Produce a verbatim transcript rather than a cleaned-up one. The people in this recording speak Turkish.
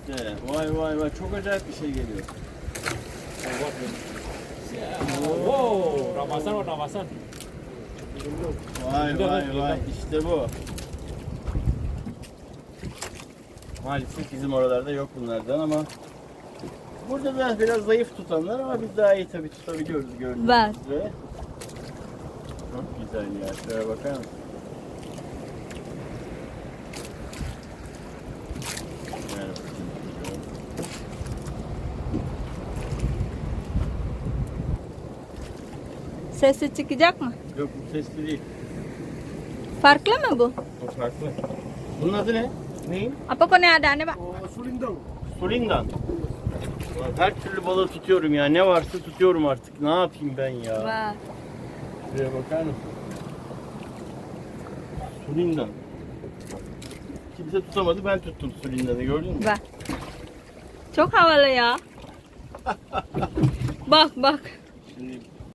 işte. Vay vay vay. Çok acayip bir şey geliyor. Wow, Ramazan o Ramazan. Vay vay vay. İşte bu. Maalesef bizim oralarda yok bunlardan ama burada da biraz zayıf tutanlar ama biz daha iyi tabii tutabiliyoruz gördüğünüz Var. üzere. Çok güzel ya. Şöyle bakar mısın? Ver bakayım. Sesi çıkacak mı? Yok bu sesli değil. Farklı mı bu? O farklı. Bunun adı ne? Neyin? Apa kau ni ada ni, Pak? Sulindang. Sulindan. Her türlü balığı tutuyorum ya. Ne varsa tutuyorum artık. Ne yapayım ben ya? Var. Şuraya bakar mısın? Sulindan. Kimse tutamadı. Ben tuttum Sulindan'ı. Gördün mü? Var. Çok havalı ya. Bak bak. Şimdi